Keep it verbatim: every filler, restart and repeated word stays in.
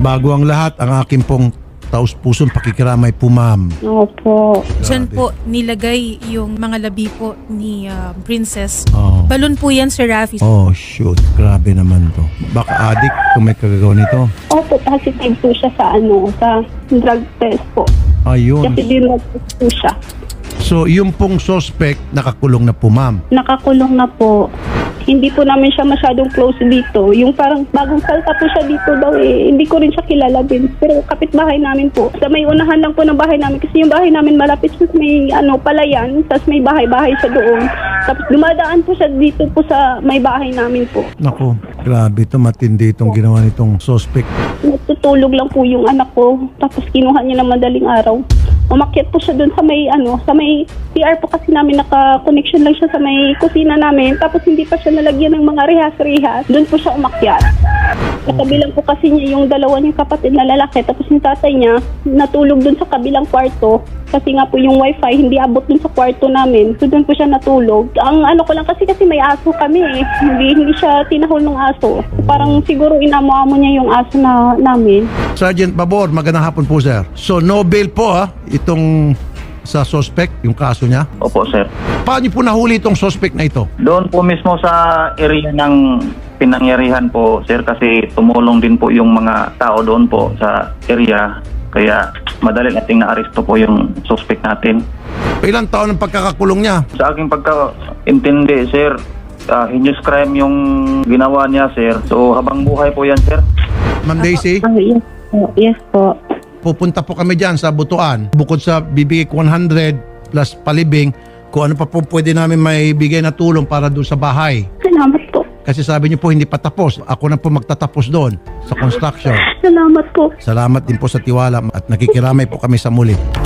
Bago ang lahat, ang aking pong taus-pusong pakikiramay po, ma'am. Opo. Diyan Grabe. po nilagay yung mga labi po ni ah, Princess. Oh. Balon po yan, Sir Rafi. Oh, shoot. Grabe naman to. Baka addict kung may kagagawa nito. Opo, positive po siya sa ano, sa drug test po. Ayun. Kasi dinrug test po siya. So, yung pong suspect, nakakulong na po, ma'am. Nakakulong na po. Hindi po namin siya masyadong close dito. Yung parang bagong salta po siya dito daw eh. Hindi ko rin siya kilala din. Pero kapitbahay namin po. Sa may unahan lang po ng bahay namin. Kasi yung bahay namin malapit sa may ano, palayan. Tapos may bahay-bahay siya doon. Tapos dumadaan po siya dito po sa may bahay namin po. Naku, grabe to. Matindi itong ginawa nitong suspect. Natutulog lang po yung anak ko. Tapos kinuha niya ng madaling araw. Umakyat po siya doon sa may ano, sa may C R po kasi namin naka-connection lang siya sa may kusina namin. Tapos hindi pa siya nalagyan ng mga rehas-rehas. Doon po siya umakyat. Sa kabilang po kasi niya yung dalawa niyang kapatid na lalaki. Tapos yung tatay niya natulog doon sa kabilang kwarto. Kasi nga po yung wifi hindi abot doon sa kwarto namin. So doon po siya natulog. Ang ano ko lang kasi kasi may aso kami eh. Hindi, hindi siya tinahol ng aso. Parang siguro inamo-amo niya yung aso na namin. Sergeant Babor, magandang hapon po, sir. So, no bail po, ha? Itong sa suspect, yung kaso niya. Opo, sir. Paano niyo po nahuli itong suspect na ito? Doon po mismo sa area ng pinangyarihan po, sir, kasi tumulong din po yung mga tao doon po sa area. Kaya madali nating na-aresto po yung suspect natin. Ilang taon ang pagkakakulong niya? Sa aking pagkaintindi, sir, uh, heinous crime yung ginawa niya, sir. So, habang buhay po yan, sir. Ma'am Daisy, Ah, yes po. Yes po. pupunta po kami dyan sa Butuan. Bukod sa bibigay ko one hundred plus palibing, kung ano pa po pwede namin maibigay na tulong para doon sa bahay. Salamat po. Kasi sabi niyo po hindi pa tapos. Ako na po magtatapos doon sa construction. Salamat po. Salamat din po sa tiwala at nakikiramay po kami sa muli.